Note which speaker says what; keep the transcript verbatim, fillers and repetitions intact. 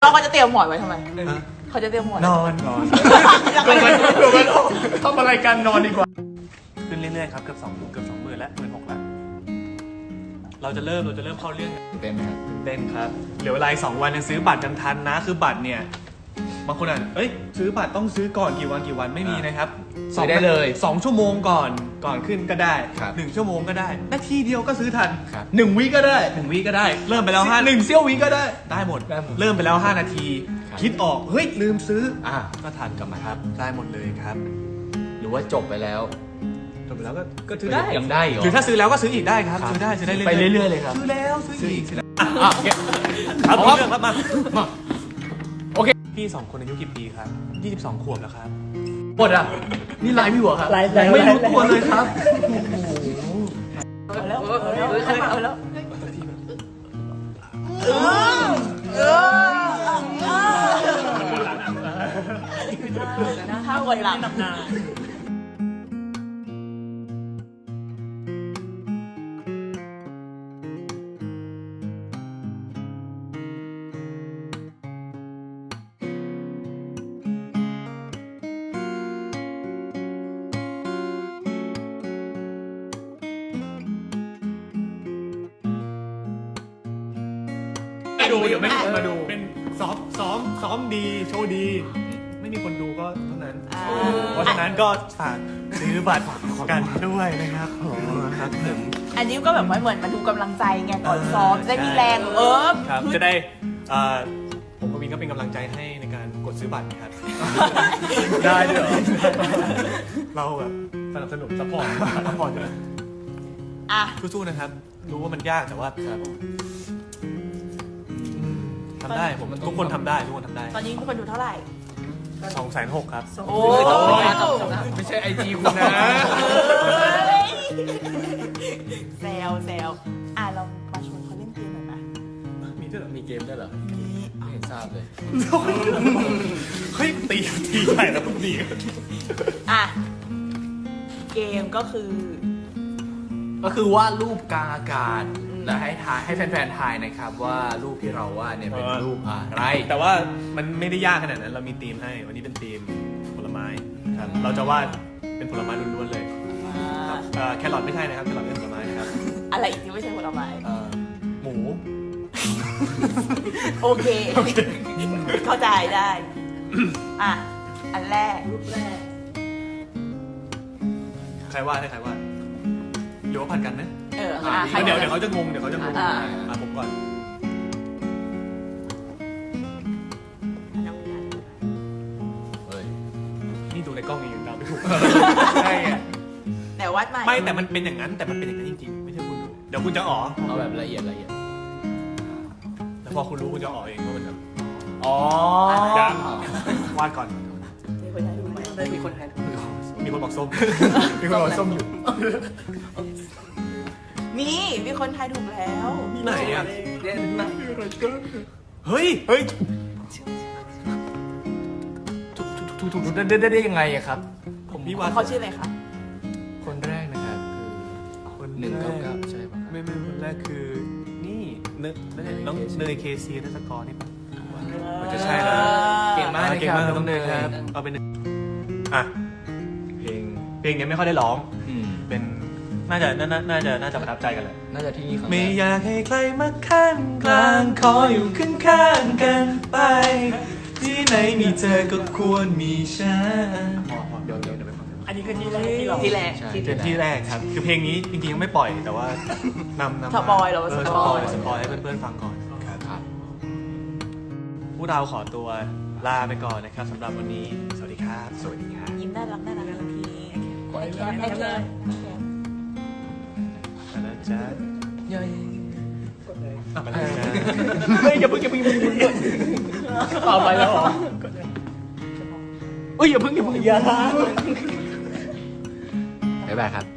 Speaker 1: เราก็จะเตรียมหมอนไว้ทำไมเขาจะเตรียมหมอน
Speaker 2: นอนนอนลงไปลงไปทำอะไรกันนอนดีกว่าขึ้นเรื่อยๆครับเกือบสองเกือบสองหมื่นแล้วหมื่นหกแล้วเราจะเริ่มเราจะเริ่มเข้าเรื่อง
Speaker 3: เต้นไหมครับ
Speaker 2: เต้นครับเหลือเวลาสองวันยังซื้อบัตรกันทันนะคือบัตรเนี่ยบางคนอ่ะเอ้ยซื้อบัตรต้องซื้อก่อนกี่วันกี่วันไม่มีนะครับ
Speaker 3: ซื้อได้เลย
Speaker 2: สองชั่วโมงก่อนก่อนขึ้นก็ได้หนึ่งชั่วโมงก็ได้นาทีเดียวก็ซื้อทันหนึ่งวิก็ได้หนึ่งวิก็ได้เริ่มไปแล้วห้าหนึ่งเซี่ยววิก็ได้ได้หมดเริ่มไปแล้วห้านาทีคิดออกเฮ้ยลืมซื้ออ่ะก็ทันกลับมาครับได้หมดเลยครับ
Speaker 3: หรือว่าจบไปแล้ว
Speaker 2: จบไปแล้วก็ก็ซื้อได้
Speaker 3: ยังได้เหรอ
Speaker 2: หรือถ้าซื้อแล้วก็ซื้ออีกได้ครับซื้อได้ซื้อได้
Speaker 3: ไปเรื่อยๆเลยครับ
Speaker 2: ซื้อแล้วซื้ออีกอ่ะครับเรื่องครับมาโอเคพี่สองคนอายุกี่ปีครับยี่สิบสองขวบแล้วครับ
Speaker 3: หมดอ่ะนี่ไลฟ์พี่หัวครับ
Speaker 2: ไม่รู้ตัวเลยครับ
Speaker 1: เอาแล้วเอาแล้วเอาแล้วเออเออถ้าวันหลัง
Speaker 2: ดูเดี๋ยวไม่มีคนมาดูเป็นซ้อมซ้อมซ้อมดีโชว์ดีไม่มีคนดูก็เท่านั้นเพราะฉะนั้นก็ฝากซื้อบัตรกันด้วยนะครับครับผม
Speaker 1: อันนี้ก็แบบว่าเหมือนมาดูกำลังใจไงก่อนซ้อมได้มีแรงเออ
Speaker 2: ครับจะได้ผมกับวินก็เป็นกำลังใจให้ในการกดซื้อบัตรนะครับได้ด้วยเหรอเราแบบสนับสนุนซัพพอร์ตซัพพอร์ตอยู่
Speaker 1: อ่ะ
Speaker 2: สู้ๆนะครับรู้ว่ามันยากแต่ว่าทำได้ผมทุกคนทำได้ทุกคนทำได้
Speaker 1: ตอนนี้ทุกคนดูเท่าไหร่
Speaker 2: สองแสนหกครับ
Speaker 1: โอ้
Speaker 3: ไม่ใช่ไอจีคุณนะ
Speaker 1: แซวแซวอ่ะเรามาชวนเขาเล่นเกมหน่อยไหม
Speaker 2: มีด้วยเหรอ
Speaker 3: มีเกมด้วยเหรอ
Speaker 1: มี
Speaker 3: ไม่เห็นทราบเลย
Speaker 2: เฮ้ยตีตีใหญ่แล้วทุกที
Speaker 1: อ่ะเกมก็คือ
Speaker 3: ก็คือวาดรูปกลางอากาศแล้วให้ทายให้แฟนๆทายนะครับว่ารูปที่เราวาดเนี่ยเป็นรูปอะไร
Speaker 2: แต่ว่ามันไม่ได้ยากขนาดนั้นเรามีธีมให้วันนี้เป็นธีมผลไม้ครับเราจะวาดเป็นผลไม้ล้วนๆเลยแครอทไม่ใช่นะครับแครอทเป็นผลไม้นะครับ
Speaker 1: อะไรอีกที่ไม่ใช่ผลไม้
Speaker 2: หมู
Speaker 1: โอเคเข้าใจได้อ่ะอันแรกรูปแรก
Speaker 2: ใครวาดให้ใครวาดหรือว่าผัดกันนะ
Speaker 1: เออ
Speaker 2: เดี๋ยวเดี๋ยวเขาจะงงเดี๋ยวเขาจะงงอ่ะผมก่อนนี่ดูในกล้องยังเดาไม่ถูกใช่ไง
Speaker 1: แต่วัดใหม่
Speaker 2: ไม่แต่มันเป็นอย่างนั้นแต่มันเป็นอย่างนั้นจริงๆไม่ใช่คุณดูเดี๋ยวคุณจะอ๋อ
Speaker 3: เอาแบบละเอียดละเอียด
Speaker 2: แต่พอคุณรู้คุณจะอ๋อเองว่ามันแบบ
Speaker 3: อ๋อ
Speaker 2: วาดก่อน
Speaker 1: มีคนไทยดูไหมมีคนไทย
Speaker 2: มีคนบอกส้มมีคนบอกส้มอยู่
Speaker 1: มีมีคนไทยถูกแล้ว
Speaker 2: มีไหนอ่ะ
Speaker 3: เด่นไหน
Speaker 2: เฮ้ยเฮ้ย
Speaker 3: ถูกถูกถูกได้ได้ได้ยังไงอะครับ
Speaker 1: ผมพี่ว่าเขาชื่ออะไรครับ
Speaker 3: คนแรกนะครับคือคนหนึ่งเก้าเก้าใช่ป่ะ
Speaker 2: ไม่ไม่คนแรกคือนี่เนยน้องเนยเคซีนัสกอร์นี่ป่ะมันจะใช่แล้ว
Speaker 3: เก่งมาก
Speaker 2: เก่งมากน้องเนยครับเอาเป็นอ่ะเพลงเพลงนี้ไม่ค่อยได้ร้องเป็นน่าจะน่าน่าจะน่าจะประทับใจกันแหละ
Speaker 3: น่าจะที่นี่ครับ
Speaker 2: ไม่อยากให้ใครมาขั้นกลางขออยู่ข้างข้างกันไปที่ไหนมีเธอก็ควรมีฉันเดี๋ยวเดี๋ยวเดี๋ยวไปฟัง
Speaker 1: อันนี้คือที่แรกที่เรา
Speaker 3: ที่แรก
Speaker 2: ที่แรกครับคือเพลงนี้จริงๆยังไม่ปล่อยแต่ว่านำนำ
Speaker 1: สปอยเรา
Speaker 2: สปอยสปอยให้เพื่อนๆฟังก่อนครับพวกเราขอตัวลาไปก่อนนะครับสำหรับวันนี้สวัสดีครับสวัสดีครับ
Speaker 1: ยิ้มน่ารักน่ารักทันทีโอเคโอเค
Speaker 2: จ้า
Speaker 3: ย่อย
Speaker 2: กดเลยอ่ะไปเลยจ้าเฮ้ยอย่าเพิ่งอย่าเพิ่งอย่าเพิ่ง
Speaker 3: เอาไปแล้วเหรอ
Speaker 2: เฮ้ยอย่าเพิ่งอย่าเพิ่งอย่า
Speaker 3: บ๊ายบายครับ